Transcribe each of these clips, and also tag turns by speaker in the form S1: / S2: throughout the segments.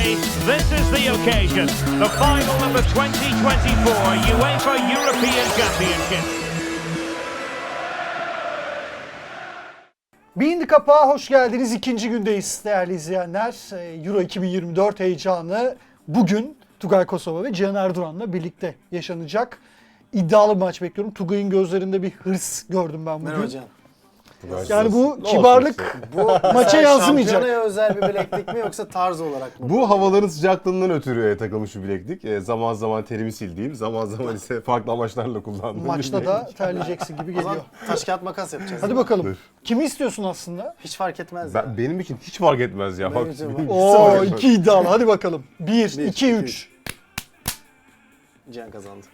S1: today, this is the occasion. The final of the 2024 UEFA European Championship.
S2: Bindi Kapağı hoş geldiniz. İkinci gündeyiz değerli izleyenler. Euro 2024 heyecanı bugün Tugay Kosova ve Cihan Erduran'la birlikte yaşanacak. İddialı bir maç bekliyorum. Tugay'ın gözlerinde bir hırs gördüm ben bugün.
S3: Merhaba Cihan.
S2: Yani bu kibarlık
S3: Bu
S2: maça yansımayacak.
S3: Şampiyonaya özel bir bileklik mi yoksa tarz olarak mı?
S4: Bu havaların sıcaklığından ötürü takılmış bir bileklik. Zaman zaman terimi sildiğim, zaman zaman ise farklı amaçlarla kullandığım bir
S2: Maçta
S4: bileklik.
S2: da terleyeceksin gibi
S3: O zaman
S2: geliyor.
S3: taş kağıt makas yapacağız.
S2: Hadi bakalım. Kimi istiyorsun aslında?
S3: Hiç fark etmez ya.
S4: Benim için hiç fark etmez ya.
S3: Benim
S4: Bak,
S3: için
S4: benim
S3: var.
S4: hiç fark
S2: Oo,
S4: etmez.
S2: iki iddialı. Hadi bakalım. 1,
S3: Bir,
S2: 2,
S3: iki,
S2: 3.
S3: Cihan kazandı.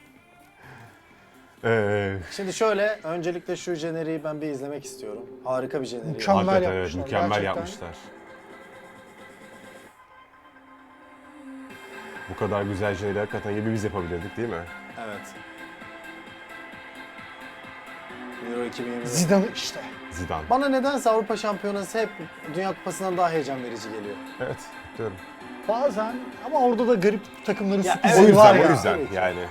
S4: Ee,
S3: Şimdi şöyle, öncelikle şu jeneriği ben bir izlemek istiyorum. Harika bir jeneriği.
S2: Mükemmel
S4: hakikaten evet,
S2: yapmışlar,
S4: mükemmel
S2: gerçekten.
S4: yapmışlar. Bu kadar güzel şeyleri hakikaten ya biz yapabilirdik değil mi?
S3: Evet. Euro 2024.
S2: Zidane işte.
S4: Zidane.
S3: Bana nedense Avrupa Şampiyonası hep Dünya Kupası'ndan daha heyecan verici geliyor.
S4: Evet, diyorum.
S2: Bazen ama orada da garip takımların
S3: Ya
S2: sürprizleri
S4: O yüzden,
S2: var
S4: o
S2: ya.
S4: yüzden
S3: tabii ki.
S4: yani.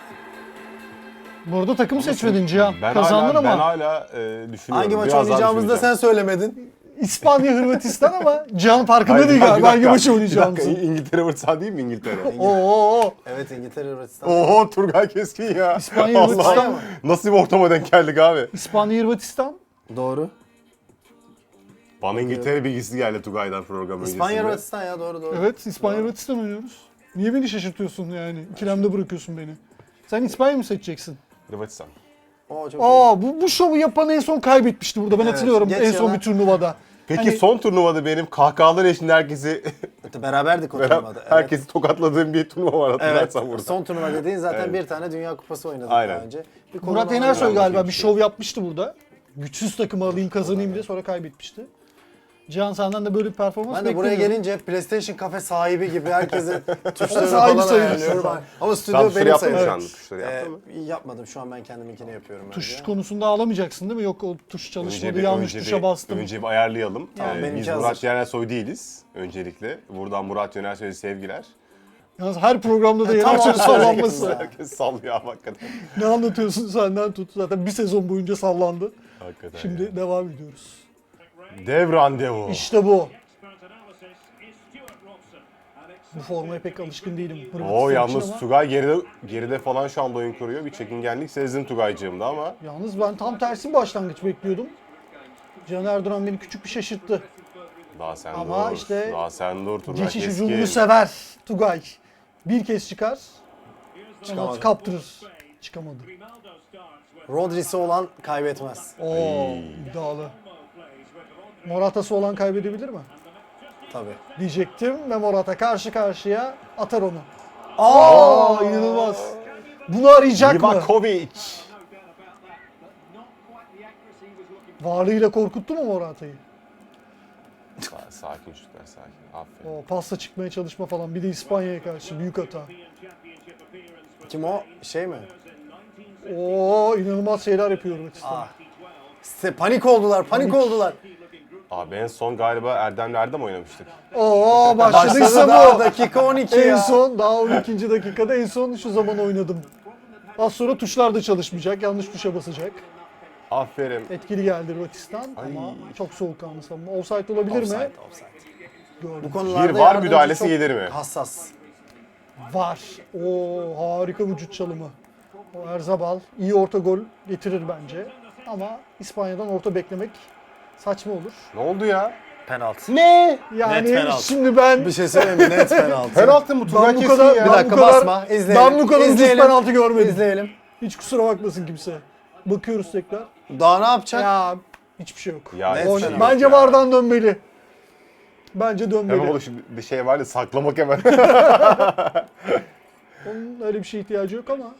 S2: Bu arada takım seçmedin Cihan.
S4: Ben
S2: Kazandın
S4: hala,
S2: ama.
S4: Ben hala düşünüyorum.
S3: Hangi maç
S4: Biraz daha
S3: oynayacağımızı da sen
S4: düşüneceğim.
S3: söylemedin.
S2: İspanya, Hırvatistan ama Cihan farkında
S4: Hayır,
S2: değil
S4: bir
S2: galiba hangi
S4: dakika,
S2: maçı
S4: bir
S2: oynayacağımızı.
S4: dakika, İngiltere Hırvatistan değil mi İngiltere?
S2: Oo.
S3: Evet, İngiltere, Hırvatistan.
S4: Oho, Turgay Keskin ya.
S2: İspanya,
S4: Allah,
S2: Hırvatistan.
S4: nasıl bir ortama denk geldik abi?
S2: İspanya, Hırvatistan.
S3: Doğru.
S4: Bana İngiltere bilgisi geldi Tugay'dan program öncesinde.
S3: İspanya, Hırvatistan ya, doğru.
S2: Evet, İspanya, Hırvatistan oynuyoruz. Niye beni şaşırtıyorsun yani? İkilemde bırakıyorsun beni. Sen İspanya mı seçeceksin?
S4: Hırvatistan.
S3: Oo, çok iyi.
S2: Aa, bu şovu yapan en son kaybetmişti burada. Ben
S3: Evet,
S2: hatırlıyorum
S3: geç
S2: en son
S3: yana.
S2: bir turnuvada.
S4: Peki
S2: Hani-
S4: son turnuvada benim kahkahalar eşliğinde
S3: Beraberdik o turnuvada. Evet.
S4: herkesi tokatladığım bir turnuva var
S3: Evet,
S4: hatırlarsan burada.
S3: son turnuva dediğin zaten
S4: Evet.
S3: bir tane Dünya Kupası oynadık
S4: Aynen.
S3: daha önce. Bir
S2: Murat
S3: konuda
S2: Yenersoy
S3: oynadık.
S2: galiba bir şov yapmıştı burada. Güçsüz takımı alayım kazanayım diye sonra kaybetmişti. Cihan senden de böyle bir performans
S3: Ben de buraya
S2: bekliyorum.
S3: gelince PlayStation kafe sahibi gibi herkese tuşlarını
S2: Sahibi
S3: falan
S2: sayılırsın
S3: ayarlıyorum.
S2: sen.
S3: Ama
S4: Sen
S3: stüdyo
S4: tuşları
S3: benim
S4: yaptın mı
S3: sayılır.
S4: şu anda? Tuşları yaptın mı?
S3: Yapmadım, şu an ben kendiminkini yapıyorum.
S2: Tuş
S3: önce.
S2: konusunda ağlamayacaksın değil mi? Yok o tuş çalışmadı, yanlış tuşa bastım.
S4: Önce bir ayarlayalım.
S3: Tamam, benimki
S4: Biz
S3: hazır.
S4: Murat Yenersoy değiliz öncelikle. Buradan Murat Yenersoy'a sevgiler.
S2: Yalnız her programda da
S3: Tam
S2: Yenersoy
S3: onu
S2: sallanması.
S3: söyleyecektim
S4: Herkes sallıyor hakikaten.
S2: Ne anlatıyorsun senden tut. Zaten bir sezon boyunca sallandı.
S4: Hakikaten
S2: Şimdi
S4: ya.
S2: devam ediyoruz.
S4: Dev randevu.
S2: İşte bu. Bu formaya pek alışkın değilim. Hırvatistan
S4: Oo
S2: için
S4: yalnız
S2: ama-
S4: Tugay geride falan şu anda oyun kuruyor. Bir çekingenlik sezdim Tugaycığımda ama
S2: Yalnız ben tam tersi bir başlangıç bekliyordum. Cihan Erduran beni küçük bir şaşırttı.
S4: daha sen
S2: Ama
S4: dur.
S2: işte
S4: Daha sen dur Tugay
S2: Geçiş
S4: Keskin.
S2: ucumunu sever Tugay. Bir kez çıkar,
S3: Çıkamadı.
S2: ondan kaptırır. Çıkamadı.
S3: Rodri'si olan kaybetmez.
S2: Oo, iddialı. Morata'sı olan kaybedebilir mi?
S3: Tabii.
S2: Diyecektim ve Morata karşı karşıya atar onu. Aa, inanılmaz. Bunu arayacak mı?
S4: Livakovic.
S2: Varlığıyla korkuttu mu Morata'yı?
S4: Sakin çocuklar sakin. Aferin.
S2: O pasta çıkmaya çalışma falan. Bir de İspanya'ya karşı büyük hata.
S3: Kim o? Şey mi?
S2: Oo, inanılmaz şeyler yapıyor Hırvatistan.
S3: Panik oldular.
S4: Abi en son galiba Erdem oynamıştık.
S2: Oo, başladıysa
S3: Başladı
S2: bu.
S3: dakika 12
S2: En
S3: ya.
S2: son daha 12. dakikada en son şu zaman oynadım. Az sonra tuşlar da çalışmayacak. Yanlış tuşa basacak.
S4: Aferin.
S2: Etkili geldi Hırvatistan ama çok soğukkanlı savunma. Offside olabilir mi?
S3: Offside.
S2: Gördüm.
S3: Bu konularda
S4: Bir var
S3: yardımcı
S4: müdahalesi
S3: çok
S4: gelir mi?
S3: Hassas.
S2: Var. Oo, harika vücut çalımı. O Erzabal iyi orta gol getirir bence. Ama İspanya'dan orta beklemek saçma olur.
S4: Ne oldu ya?
S3: Penaltı.
S4: Ne?
S2: Yani
S3: Net penaltı.
S2: şimdi ben
S3: Bir şey söyleyeyim mi? Net penaltı.
S4: Penaltı mı? Tugay
S2: ben bu
S4: Keskin
S2: kadar
S4: ya.
S3: Bir dakika,
S2: bu kadar-
S3: basma, izleyelim.
S2: Ben bu kadar ucuz
S3: İzleyelim.
S2: penaltı görmedim.
S3: İzleyelim.
S2: Hiç kusura bakmasın kimse. Bakıyoruz tekrar.
S3: Daha ne yapacak?
S2: Ya hiçbir şey yok.
S4: Ya,
S3: Net
S4: hiçbir şey yok
S2: Bence
S4: ya.
S2: VAR'dan dönmeli. Bence dönmeli.
S4: Hemen şimdi bir şey var ya saklamak hemen.
S2: Onun öyle bir şeye ihtiyacı yok ama.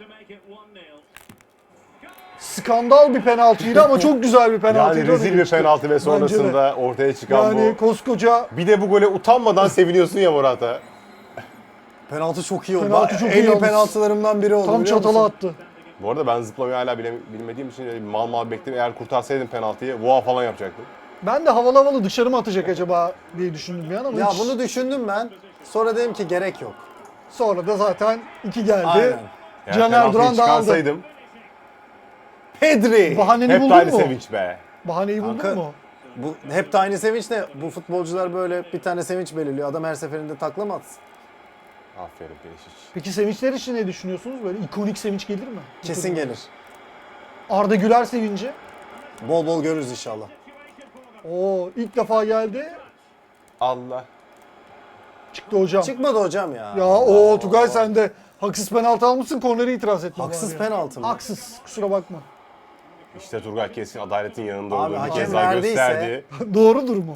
S2: Skandal bir penaltıydı ama çok güzel bir penaltıydı.
S4: Yani rezil bir penaltı ve sonrasında ortaya çıkan
S2: Yani
S4: bu.
S2: koskoca
S4: Bir de bu gole utanmadan seviniyorsun ya Morata.
S3: Penaltı çok iyi oldu.
S2: Penaltı çok iyi
S3: en iyi
S2: yalnız.
S3: penaltılarımdan biri oldu.
S2: tam
S3: biliyor
S2: çatala
S3: musun?
S2: attı.
S4: Bu arada ben zıplamayı hala bilmediğim için öyle bir mal bekledim. Eğer kurtarsaydım penaltıyı voa falan yapacaktım.
S2: Ben de havalı havalı dışarı mı atacak acaba diye düşündüm bir an ama
S3: Ya
S2: hiç.
S3: bunu düşündüm ben. Sonra dedim ki gerek yok.
S2: Sonra da zaten 2 geldi.
S3: Aynen.
S4: Yani
S2: Caner
S4: penaltıyı
S2: Duran da aldı.
S4: çıkarsaydım
S3: Pedri.
S2: Bahaneni
S4: hep de
S2: buldun
S4: aynı
S2: mu?
S4: sevinç be.
S2: Bahaneyi buldun
S3: Kanka,
S2: mu?
S3: Bu hep de aynı sevinç ne? Bu futbolcular böyle bir tane sevinç belirliyor. Adam her seferinde takla mı atsın?
S4: Aferin Perisic.
S2: Peki sevinçler için ne düşünüyorsunuz? Böyle ikonik sevinç gelir mi?
S3: Kesin gelir.
S2: Arda Güler sevinci.
S3: Bol bol görürüz inşallah.
S2: Oo, ilk defa geldi.
S4: Allah.
S2: Çıktı hocam.
S3: Çıkmadı hocam ya.
S2: Ya o Tugay sen de haksız penaltı almışsın, kornere itiraz etme.
S3: Haksız
S2: bari.
S3: penaltı mı?
S2: Haksız. Kusura bakma.
S4: İşte Turgay kesin adaletin yanında
S3: Abi,
S4: olduğunu bir
S3: hakem
S4: kez daha
S3: verdiyse-
S4: gösterdi.
S2: Doğrudur mu?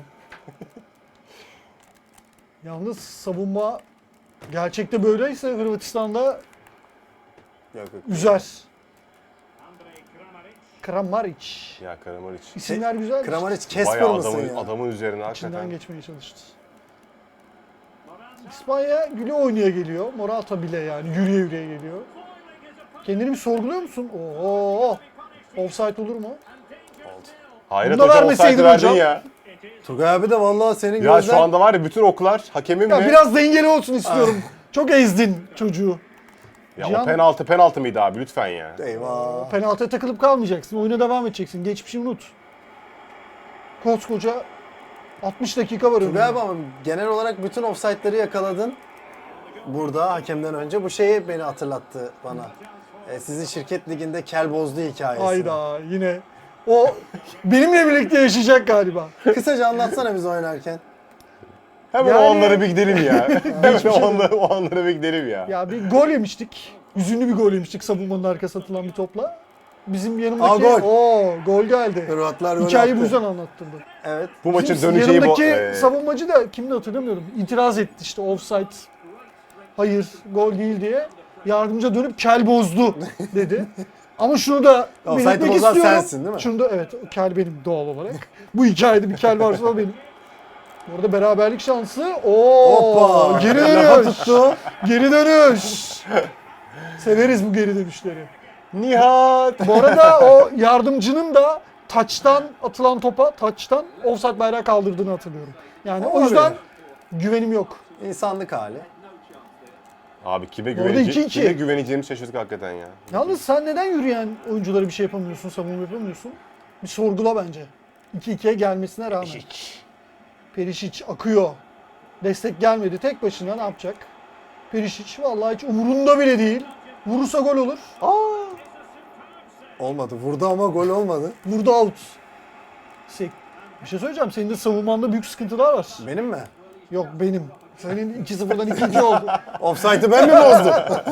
S2: Yalnız savunma gerçekte böyleyse Hırvatistan'da
S3: Yok, yok.
S2: üzer. Kramaric.
S4: Ya Kramaric.
S2: İsimler güzel.
S3: Kramaric Kesper
S4: Bayağı
S3: mısın
S4: adamın,
S3: ya?
S4: adamın üzerine
S2: İçinden
S4: hakikaten.
S2: geçmeye çalıştı. İspanya güle oynaya geliyor. Morata bile yani yürüye yürüye geliyor. Kendini bir sorguluyor musun? Oo. Offside olur mu?
S4: Hayret
S2: Bunu da
S4: hocam
S2: vermeseydin
S4: offside verdin
S2: hocam.
S4: ya.
S3: Turgay abi de vallahi senin
S4: Ya
S3: gözler...
S4: şu anda var ya bütün oklar hakemin
S2: Ya
S4: mi?
S2: biraz dengeli olsun istiyorum. Çok ezdin çocuğu.
S4: Ya
S2: Cihan-
S4: o penaltı mıydı abi lütfen ya.
S3: Eyvah.
S2: Penaltıya takılıp kalmayacaksın. Oyuna devam edeceksin. Geçmişi unut. Koskoca 60 dakika var
S3: Turgay
S2: önünde.
S3: abi ama genel olarak bütün offside'ları yakaladın. Burada hakemden önce bu şeyi beni hatırlattı bana. Sizin şirket liginde kel bozdu hikayesi.
S2: Hayda yine. O benimle birlikte yaşayacak galiba.
S3: Kısaca anlatsana biz oynarken.
S4: Hemen
S2: Yani-
S4: o anlara bir gidelim ya. Hemen o anlara bir gidelim ya.
S2: Ya bir gol yemiştik. Hüzünlü bir gol yemiştik savunmanın arkasına atılan bir topla. Bizim yanımdaki gol geldi.
S3: Hırvatlar gol
S2: Hikayeyi
S3: attı.
S2: bu yüzden anlattırdı.
S3: Evet.
S4: Bu maçın
S2: Bizim
S4: döneceği bu.
S2: yanımdaki savunmacı da kimdi hatırlamıyorum. İtiraz etti işte offside. Hayır gol değil diye. Yardımcı dönüp kel bozdu dedi. Ama şunu da
S3: Offside'ı
S2: belirtmek
S3: bozan
S2: istiyorum.
S3: sensin, değil mi?
S2: Şunu da evet kel benim doğal olarak. Bu hikayede bir kel varsa o benim. Bu arada beraberlik şansı.
S3: Hoppa!
S2: Geri
S3: Lafa
S2: dönüş.
S3: tuttu.
S2: Geri dönüş. Severiz bu geri dönüşleri.
S4: Nihat.
S2: Bu arada o yardımcının da taçtan atılan topa taçtan offside bayrağı kaldırdığını hatırlıyorum. Yani o
S3: Olabilir.
S2: yüzden güvenim yok.
S3: İnsanlık hali.
S4: Abi kime
S2: Orada
S4: güveneceğim,
S2: 2-2.
S4: kime güveneceğimi şaşırdık hakikaten ya.
S2: Yalnız sen neden yürüyen oyunculara bir şey yapamıyorsun, savunma yapamıyorsun? Bir sorgula bence. 2-2'ye gelmesine rağmen. Perisic akıyor. Destek gelmedi. Tek başına ne yapacak? Perisic vallahi hiç umurunda bile değil. Vurursa gol olur.
S3: Olmadı. Vurdu ama gol olmadı.
S2: Vurdu out. Bir şey söyleyeceğim. Senin de savunmanda büyük sıkıntılar var.
S3: Benim mi?
S2: Yok benim. Senin 2-0'dan 2-2 oldu.
S3: Offside'ı ben mi bozdum?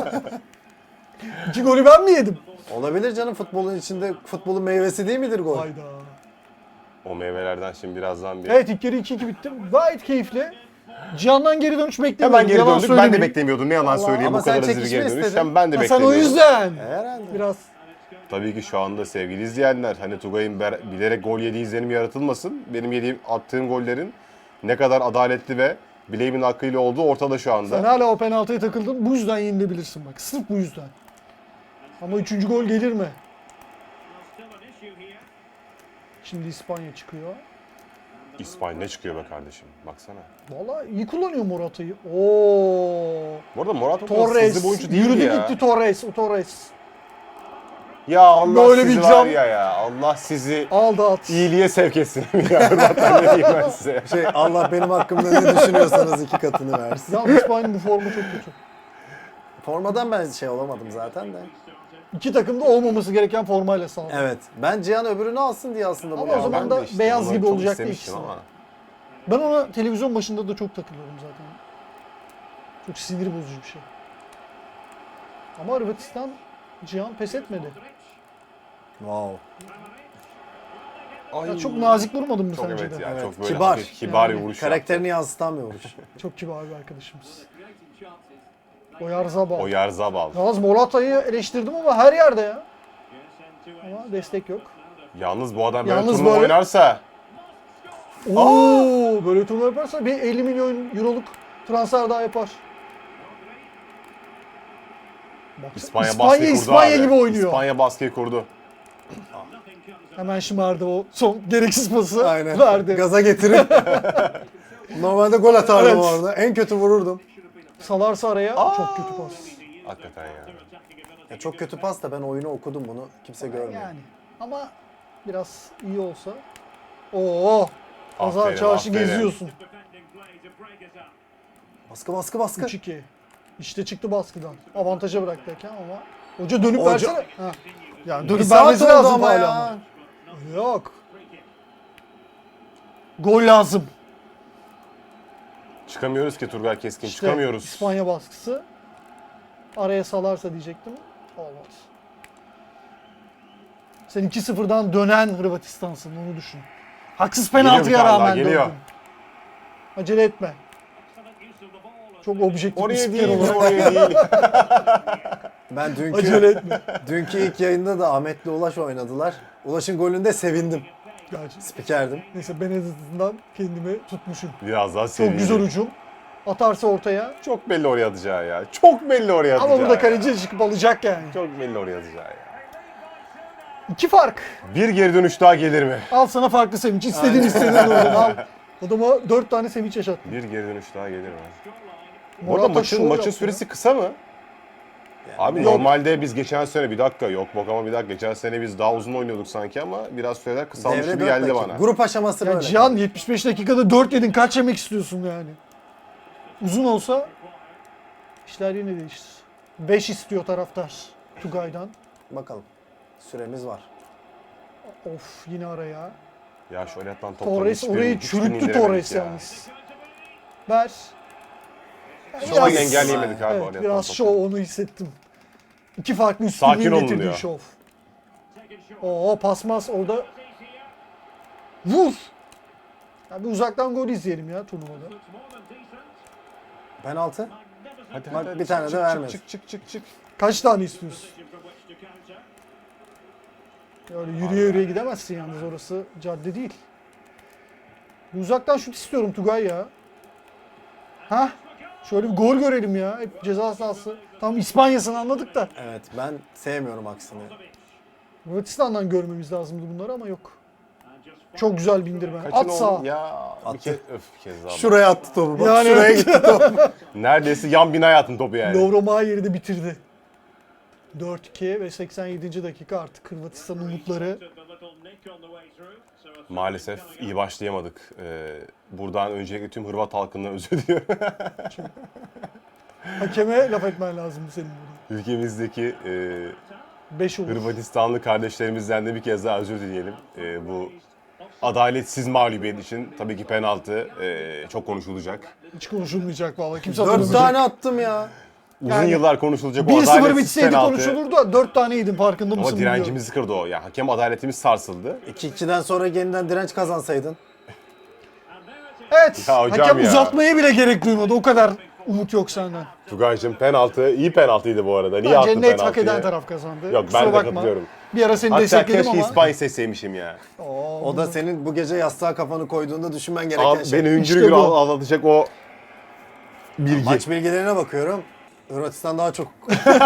S2: 2 golü ben mi yedim?
S3: Olabilir canım, futbolun içinde futbolun meyvesi değil midir gol?
S2: Hayda.
S4: O meyvelerden şimdi birazdan bir...
S2: Evet ilk yarı 2-2 bitti. Gayet keyifli. Cihan'dan geri dönüş beklemiyordum.
S4: Hemen geri
S2: Yalan
S4: döndük. Ben de
S2: söylemeyeyim.
S4: beklemiyordum. Ne yalan söyleyeyim
S3: ama
S4: bu kadar
S3: sen
S4: hızlı bir geri
S3: çekişme
S4: dönüş.
S3: istedin.
S4: Hem ben de
S2: Ha, sen
S4: beklemiyordum.
S2: o yüzden.
S3: Herhalde.
S2: Biraz
S4: Tabii ki şu anda sevgili izleyenler hani Tugay'ın bilerek gol yediği izlenimi yaratılmasın. Benim attığım gollerin ne kadar adaletli ve bileğimin hakkıyla olduğu ortada şu anda.
S2: sen hala o penaltıya takıldın. Bu yüzden yenilebilirsin bak. Sırf bu yüzden. Ama 3. gol gelir mi? Şimdi İspanya çıkıyor.
S4: İspanya ne çıkıyor be kardeşim? Baksana.
S2: Vallahi iyi kullanıyor Morata'yı. Oo.
S4: Bu arada Morata
S2: Torres.
S4: hızlı bir oyuncu değil
S2: Yürüdü
S4: ya.
S2: gitti Torres. O Torres.
S4: Ya Allah
S2: Böyle
S4: sizi
S2: bir
S4: var
S2: cam-
S4: ya. Allah sizi
S2: Aldı at.
S4: iyiliğe sevk etsin. Ya Hırvatlar ne diyeyim ben size.
S3: Allah benim hakkımda ne düşünüyorsanız 2 katını versin.
S2: Yalnız İspanya'nın bu formu çok kötü.
S3: Formadan ben olamadım zaten de.
S2: İki takımda olmaması gereken formayla sağladı.
S3: Evet. Ben Cihan öbürünü alsın diye aslında
S2: Ama
S3: bunu
S2: o
S3: aldım.
S2: zaman
S4: Ben de
S2: da
S4: işte
S2: beyaz
S4: onu
S2: gibi
S4: çok
S2: olacaktı
S4: istemiştim
S2: ikisi.
S4: ama.
S2: Ben ona televizyon başında da çok takılıyorum zaten. Çok sinir bozucu bir şey. Ama Hırvatistan Cihan pes etmedi.
S3: Wow.
S2: Ya çok nazik vurmadın mı
S4: Çok
S2: sence
S4: evet
S2: de?
S4: ya.
S3: Evet,
S4: Çok böyle
S3: kibar.
S4: hafif, kibar
S2: Yani
S4: bir vuruş
S3: Karakterini
S4: yaptı.
S3: yansıtan bir vuruş.
S2: Çok kibar bir arkadaşımız. Oyarzabal.
S4: Oyarzabal.
S2: Yalnız Morata'yı eleştirdim ama her yerde ya. Ama destek yok.
S4: Yalnız bu adam böyle
S2: Yalnız
S4: turnuva
S2: böyle-
S4: oynarsa
S2: Oo, böyle turnuva yaparsa bir 50 milyon euroluk transfer daha yapar. Baksana,
S4: İspanya baskıyı kurdu
S2: İspanya
S4: abi.
S2: gibi oynuyor.
S4: İspanya baskıyı kurdu.
S2: Hemen şımardı o son gereksiz pası
S3: Aynen.
S2: verdi.
S3: Gaza getirip Normalde gol atardım
S2: Evet.
S3: orada. En kötü vururdum.
S2: Salarsa araya çok kötü pas.
S4: Hakikaten ya.
S3: Ya çok kötü pas da ben oyunu okudum bunu. Kimse görmüyor.
S2: Yani ama biraz iyi olsa. Oo. Pazar
S4: Aferin,
S2: çarşı
S4: aferin.
S2: geziyorsun.
S3: Baskı baskı baskı.
S2: 3-2. İşte çıktı baskıdan. Avantaja bıraktı hakem ama. Hoca dönüp
S3: Hoca-
S2: versene. Ha. Ya
S3: Bir
S2: dönüp
S3: saat
S2: vermesi
S3: oldu
S2: lazım
S3: ama
S2: hala
S3: ya.
S2: ama. Yok. Gol lazım.
S4: Çıkamıyoruz ki Turgay Keskin.
S2: İşte
S4: Çıkamıyoruz.
S2: İspanya baskısı. Araya salarsa diyecektim. Olmaz. Sen 2-0'dan dönen Hırvatistan'sın, onu düşün. Haksız
S4: Geliyor bir
S2: penaltıya
S4: tane daha,
S2: rağmen
S4: geliyor.
S2: döndün. Acele etme. Çok objektif bir
S4: Oraya
S2: spiker
S4: değil,
S2: olarak.
S4: oraya değil.
S3: Ben
S2: Acele etme.
S3: dünkü ilk yayında da Ahmet'le Ulaş oynadılar. Ulaş'ın golünde sevindim.
S2: Gerçi.
S3: Spikerdim.
S2: Neyse ben en azından kendimi tutmuşum.
S4: Biraz daha
S2: Çok
S4: sevindi.
S2: güzel hücum. Atarsa ortaya.
S4: Çok belli oraya atacağı ya. Çok belli oraya atacağı
S2: Ama burada
S4: ya.
S2: kaleci çıkıp alacak yani.
S4: Çok belli oraya atacağı ya.
S2: 2 fark.
S4: Bir geri dönüş daha gelir mi?
S2: Al sana farklı sevinç. İstediğin oradan al. Adama 4 tane sevinç yaşattın.
S4: Bir geri dönüş daha gelir mi? Bu
S2: Morata
S4: arada
S2: şov
S4: maçın
S2: yaptı
S4: süresi kısa mı? Abi
S2: Yok.
S4: normalde biz geçen sene bir dakika yok bok ama bir dakika geçen sene biz daha uzun oynuyorduk sanki ama biraz süreler kısalmış
S3: Devre
S4: gibi
S3: 4
S4: geldi
S3: dakika.
S4: bana.
S3: Grup aşaması
S2: Ya
S3: böyle.
S2: Cihan 75 dakikada 4 yedin, kaç yemek istiyorsun yani? Uzun olsa işler yine değişir. 5 istiyor taraftar Tugay'dan.
S3: Bakalım. Süremiz var.
S2: Of, yine araya.
S4: Ya şöyle atan topları
S2: Torres
S4: hiçbirini-
S2: orayı
S4: hiçbirini
S2: çürüttü,
S4: indiremedik
S2: Torres
S4: ya.
S2: yalnız. Ver.
S4: Şu an engelleyemedik abi.
S2: Evet,
S4: oraya
S2: biraz
S4: atan
S2: şov,
S4: topu.
S2: onu hissettim. 2 farklı
S4: Sakin
S2: üstünlüğü
S4: olun
S2: getirdiği
S4: diyor.
S2: şov. Oo, pasmaz orada. Vur. Ya bir uzaktan gol izleyelim ya turnuvada.
S3: Penaltı.
S4: Hadi,
S3: Bak,
S4: hadi,
S3: bir tane de
S4: çık,
S3: vermedi.
S4: çık.
S2: Kaç tane istiyorsun? Öyle yürüye yürüye gidemezsin yalnız, orası cadde değil. Bir uzaktan şut istiyorum Tugay ya. Hah. Şöyle bir gol görelim ya. Hep ceza sahası. Tam İspanya'sını anladık da.
S3: Evet, ben sevmiyorum aksini.
S2: Hırvatistan'dan görmemiz lazımdı bunları ama yok. Çok güzel bindirme.
S4: Kaçın
S2: At
S4: oğlum?
S2: sağa.
S4: Ya bir
S3: Attı.
S4: kez, bir kez daha.
S3: Şuraya attı topu. Bak
S2: Yani
S3: şuraya
S2: evet.
S3: gitti top.
S4: Neredeyse yan binaya attın topu yani.
S2: Lovro Mayer'i de bitirdi. 4-2 ve 87. dakika artık Hırvatistan'ın umutları.
S4: Maalesef iyi başlayamadık. Buradan öncelikle tüm Hırvat halkından özür diliyorum.
S2: Hakeme laf etmen lazım senin burada.
S4: Ülkemizdeki
S2: 5 olur.
S4: Hırvatistanlı kardeşlerimizden de bir kez daha özür dileyelim. Bu adaletsiz mağlubiyet için tabii ki penaltı çok konuşulacak.
S2: Hiç konuşulmayacak vallahi. Kimse
S3: 4
S2: hatırlamayacak.
S3: tane attım ya.
S4: Uzun
S2: Yani
S4: yıllar konuşulacak o
S2: 1-0
S4: adaletsiz
S2: bitseydi
S4: penaltı.
S2: konuşulurdu da 4 tane yedin, farkında
S4: Ama
S2: mısın bilmiyorum.
S4: direncimizi kırdı o. Yani hakem adaletimiz sarsıldı.
S3: 2-2'den sonra yeniden direnç kazansaydın.
S2: Evet.
S4: Ya hocam
S2: Hakem
S4: ya.
S2: uzatmaya bile gerek duymadı. O kadar umut yok senden.
S4: Tugay'cığım penaltı, iyi penaltıydı bu arada. Niye
S2: Bence
S4: attı
S2: net
S4: penaltıyı?
S2: hak eden taraf kazandı.
S4: Yok,
S2: Kusura
S4: ben de
S2: bakma.
S4: katılıyorum.
S2: Bir ara seni
S4: Hatta
S2: destekledim
S4: keşke
S2: ama.
S4: İspanya seçseymişim ya.
S3: O da senin bu gece yastığa kafanı koyduğunda düşünmen gereken
S4: Abi,
S3: şey.
S4: beni hüngür
S2: İşte
S4: hüngür
S2: bu.
S4: ağlatacak o bilgi.
S3: Maç bilgilerine bakıyorum. Hırvatistan daha çok.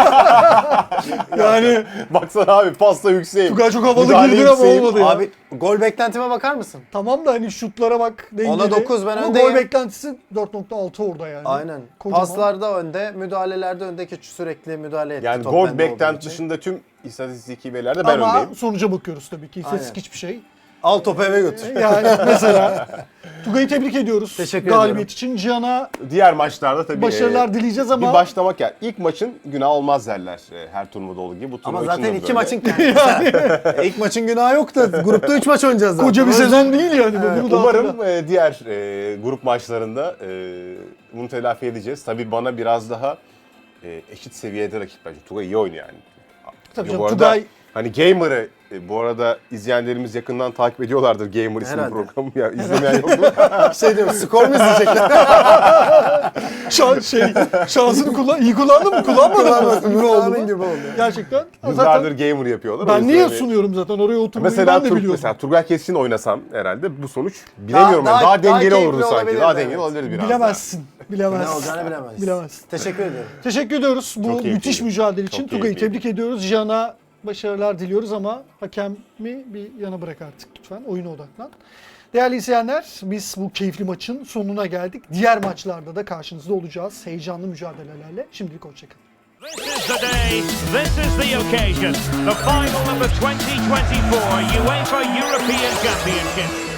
S2: Yani
S4: Baksana abi pasta yükseğim.
S2: Tugay çok havalı
S4: Müdahale
S2: girdi ama
S4: yükseğim.
S2: olmadı ya.
S3: Abi gol beklentime bakar mısın?
S2: Tamam da hani şutlara bak dengeli.
S3: Ona 9 ben
S2: Ama
S3: öndeyim.
S2: gol beklentisi 4.6 orada yani.
S3: Aynen.
S2: Kocaman.
S3: Paslarda önde, müdahalelerde önde ki sürekli müdahale etti.
S4: Yani
S3: top
S4: gol
S3: bende olduğu
S4: beklenti
S3: için.
S4: dışında tüm istatistiki verilerde ben
S2: Ama
S4: öndeyim.
S2: sonuca bakıyoruz tabii ki. İstatistik
S3: Aynen.
S2: hiçbir şey.
S3: Al topu eve götür.
S2: Yani mesela Tugay'ı tebrik ediyoruz.
S3: Teşekkür
S2: Galibiyet
S3: ediyorum.
S2: için. Cihan'a
S4: Diğer maçlarda tabii
S2: başarılar dileyeceğiz ama
S4: bir başlamak yani. İlk maçın günah olmaz derler her turnuvada olduğu gibi. Bu
S3: Ama
S4: turnuva için
S3: zaten
S4: de
S3: iki
S4: böyle.
S3: maçın kendisi. İlk maçın günahı yok da grupta 3 maç oynayacağız zaten.
S2: koca bir sezon değil yani. Bunu da
S4: Umarım
S2: hatırla.
S4: diğer grup maçlarında bunu telafi edeceğiz. Tabii bana biraz daha eşit seviyede rakip bence. Tugay iyi oynuyor yani.
S2: Tabii
S4: Bu
S2: canım,
S4: arada
S2: Tugay
S4: hani Gamer'ı bu arada izleyenlerimiz yakından takip ediyorlardır Gamer isimli
S3: Herhalde.
S4: programı ya. İzlemeyen yok mu?
S3: Şey diyorum, skor mu izleyecekler?
S2: şansını iyi kullandın mı? Kullanmadın mı? Ne oldu
S3: Tahmin
S2: mu?
S3: gibi oldu.
S2: Gerçekten.
S4: Yıllardır
S2: Zaten
S4: Gamer yapıyorlar. O
S2: ben
S4: yüzden
S2: niye
S4: hani-
S2: sunuyorum zaten oraya oturmayı
S4: Mesela,
S2: ben de biliyorum.
S4: mesela Turgay Keskin oynasam herhalde bu sonuç bilemiyorum. Daha,
S3: daha
S4: dengeli
S3: keyifli
S4: olurdu sanki.
S3: olabilirdi,
S4: Daha dengeli
S3: evet.
S4: olabilirdi biraz
S2: Bilemezsin.
S3: Ne
S2: Bilemezsin.
S3: olacağını bilemeyiz.
S2: Bilemezsin.
S3: Teşekkür ediyorum.
S2: Teşekkür ediyoruz bu
S4: keyifliydi.
S2: müthiş mücadele için.
S4: Çok
S2: Tugay'ı
S4: keyifliydi.
S2: tebrik ediyoruz. Cihan'a başarılar diliyoruz ama hakemi bir yana bırak artık lütfen. Oyuna odaklan. Değerli izleyenler, biz bu keyifli maçın sonuna geldik. Diğer maçlarda da karşınızda olacağız. Heyecanlı mücadelelerle. Şimdilik hoşçakalın.
S1: This is the day, this is the occasion, the final of the 2024 UEFA European Championship.